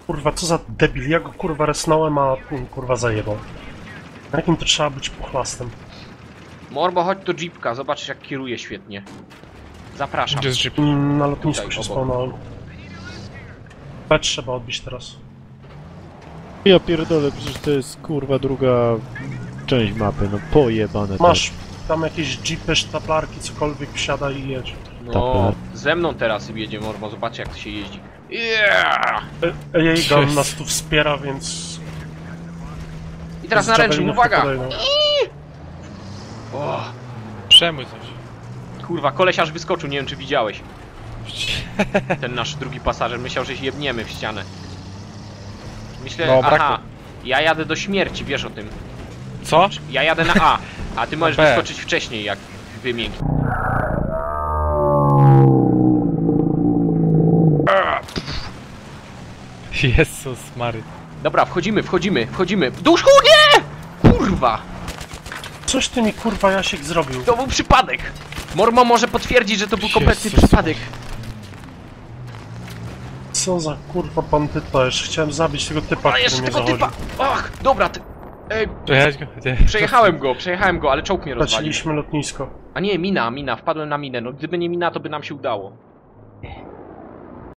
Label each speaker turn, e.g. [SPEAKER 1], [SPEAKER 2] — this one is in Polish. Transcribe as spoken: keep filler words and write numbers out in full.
[SPEAKER 1] Kurwa, co za debil, ja go kurwa resnąłem, a mm, kurwa zajebał. Na jakim to trzeba być pochlastem?
[SPEAKER 2] Morbo, chodź do jeepka, zobaczysz jak kieruje świetnie. Zapraszam.
[SPEAKER 3] Gdzie jest jeep?
[SPEAKER 1] Mm, Na lotnisku
[SPEAKER 2] Tutaj,
[SPEAKER 1] się
[SPEAKER 2] obok.
[SPEAKER 1] spawnąłem. B trzeba odbić teraz.
[SPEAKER 4] Ja pierdolę, przecież to jest kurwa druga część mapy, no pojebane.
[SPEAKER 1] Masz tam jakieś jeepy, sztaplarki, cokolwiek, wsiada i jedź.
[SPEAKER 2] No, ze mną teraz jedzie Morbo, zobacz jak to się jeździ. Yeah!
[SPEAKER 1] E, Jej gun
[SPEAKER 3] Jest.
[SPEAKER 1] nas tu wspiera, więc...
[SPEAKER 2] I teraz
[SPEAKER 1] z
[SPEAKER 2] na ręcznym,
[SPEAKER 1] javelinów
[SPEAKER 2] uwaga!
[SPEAKER 1] podejdą.
[SPEAKER 2] O,
[SPEAKER 3] Przemój coś.
[SPEAKER 2] kurwa, koleś aż wyskoczył, nie wiem czy widziałeś. Ten nasz drugi pasażer myślał, że się jebniemy w ścianę. Myślę,
[SPEAKER 3] No,
[SPEAKER 2] aha,
[SPEAKER 3] brakło.
[SPEAKER 2] ja jadę do śmierci, wiesz o tym.
[SPEAKER 3] Co?
[SPEAKER 2] Ja jadę na A, a ty możesz
[SPEAKER 3] B.
[SPEAKER 2] wyskoczyć wcześniej, jak wymięknie.
[SPEAKER 3] Jezus Mary.
[SPEAKER 2] Dobra, wchodzimy, wchodzimy, wchodzimy. Duszku, nie! Kurwa,
[SPEAKER 1] Coś ty mi kurwa Jasiek zrobił.
[SPEAKER 2] to był przypadek. Mormo może potwierdzić, że to był kompletny
[SPEAKER 3] Jezus.
[SPEAKER 2] przypadek.
[SPEAKER 1] Co za kurwa bandyta, jeszcze chciałem zabić tego typa,
[SPEAKER 2] A
[SPEAKER 1] który
[SPEAKER 2] jeszcze
[SPEAKER 1] mnie
[SPEAKER 2] tego
[SPEAKER 1] zawodził.
[SPEAKER 2] typa. Ach, dobra, ty... Ej,
[SPEAKER 3] Przejechać go? Nie.
[SPEAKER 2] przejechałem go, przejechałem go, ale czołg mnie rozwalił.
[SPEAKER 1] Straciliśmy lotnisko.
[SPEAKER 2] A nie, mina, mina, wpadłem na minę. No gdyby nie mina, to by nam się udało.